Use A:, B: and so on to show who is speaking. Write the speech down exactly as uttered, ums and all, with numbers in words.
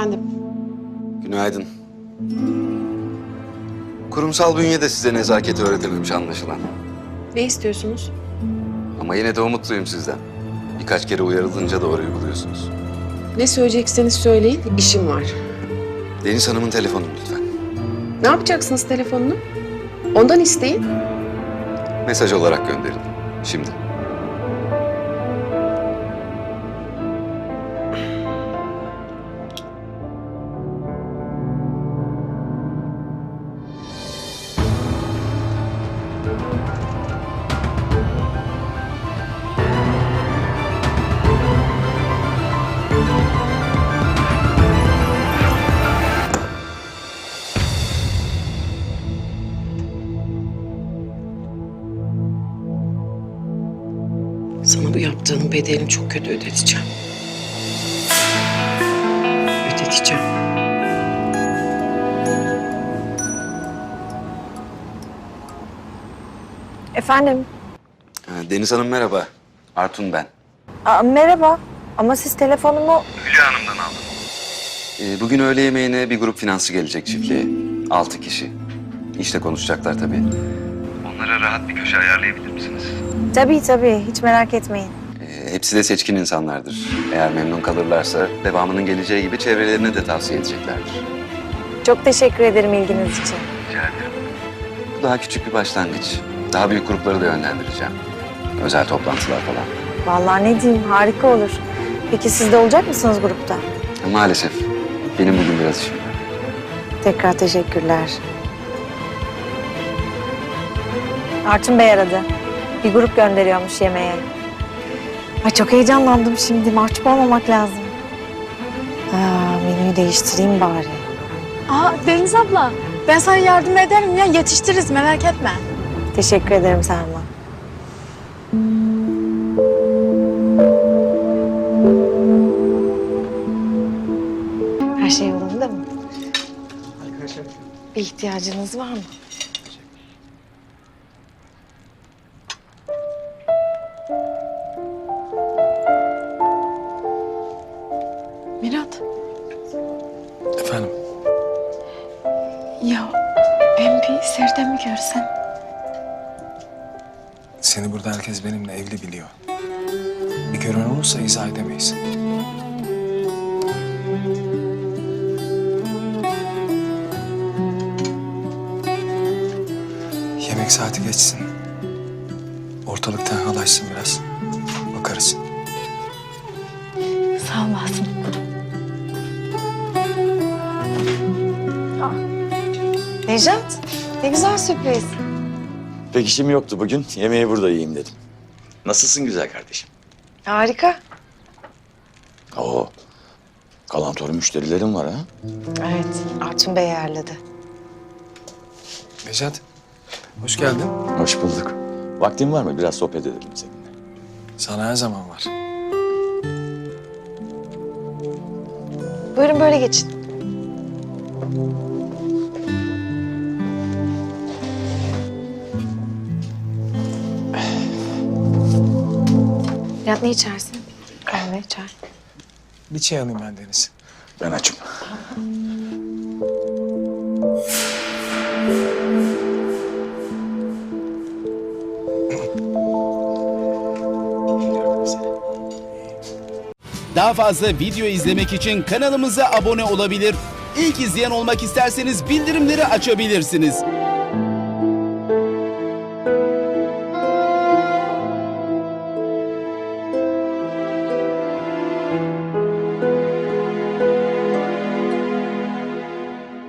A: Efendim?
B: Günaydın. Kurumsal bünye de size nezaketi öğretememiş anlaşılan.
A: Ne istiyorsunuz?
B: Ama yine de umutluyum sizden. Birkaç kere uyarılınca doğru uyguluyorsunuz.
A: Ne söyleyecekseniz söyleyin, işim var.
B: Deniz Hanım'ın telefonunu lütfen.
A: Ne yapacaksınız telefonunu? Ondan isteyin.
B: Mesaj olarak gönderin. Şimdi.
A: Sana bu yaptığının bedelini çok kötü ödeteceğim. Ödeteceğim.
C: Efendim?
B: Ha, Deniz Hanım merhaba. Artun ben.
C: Aa, merhaba. Ama siz telefonumu...
B: Ee, bugün öğle yemeğine bir grup finansçı gelecek çiftliğe. Altı kişi. İşte konuşacaklar tabii. Onlara rahat bir köşe ayarlayabilir misiniz?
C: Tabii tabii. Hiç merak etmeyin.
B: Ee, hepsi de seçkin insanlardır. Eğer memnun kalırlarsa devamının geleceği gibi çevrelerine de tavsiye edeceklerdir.
C: Çok teşekkür ederim ilginiz için.
B: Rica ederim. Bu daha küçük bir başlangıç. Daha büyük grupları da yönlendireceğim. Özel toplantılar falan.
C: Vallahi ne diyeyim, harika olur. Peki siz de olacak mısınız grupta?
B: Maalesef. Benim bugün biraz işim var.
C: Tekrar teşekkürler. Artun Bey aradı. Bir grup gönderiyormuş yemeğe. Ay çok heyecanlandım şimdi. Mahcup olmamak lazım. Aa, menüyü değiştireyim bari.
D: Aa Deniz abla, ben sana yardım ederim ya, yetiştiririz merak etme.
C: Teşekkür ederim Selma. Her şey yolunda mı? Bir ihtiyacınız var mı?
D: Mirat,
E: Efendim?
D: ya ben bir Serdem'i görsem.
E: Seni burada herkes benimle evli biliyor. Bir gören olursa izah edemeyiz. Yemek saati geçsin. Ortalık tenhalaşsın biraz. Bakarız.
D: Sağ olasın.
C: Nejat, ne güzel sürpriz.
F: Pek işim yoktu bugün. Yemeği burada yiyeyim dedim. Nasılsın güzel kardeşim?
C: Harika.
F: Oo, kalantoru müşterilerim var ha.
C: Evet, Artun Bey ayarladı.
E: Necat, hoş geldin.
F: Hoş bulduk. Vaktin var mı? Biraz sohbet edelim seninle.
E: Sana her zaman var.
C: Buyurun böyle geçin. Nihat ne içersin? Kahve, çay.
E: Bir çay alayım ben Deniz.
F: Ben açım.
G: Daha fazla video izlemek için kanalımıza abone olabilir. İlk izleyen olmak isterseniz bildirimleri açabilirsiniz.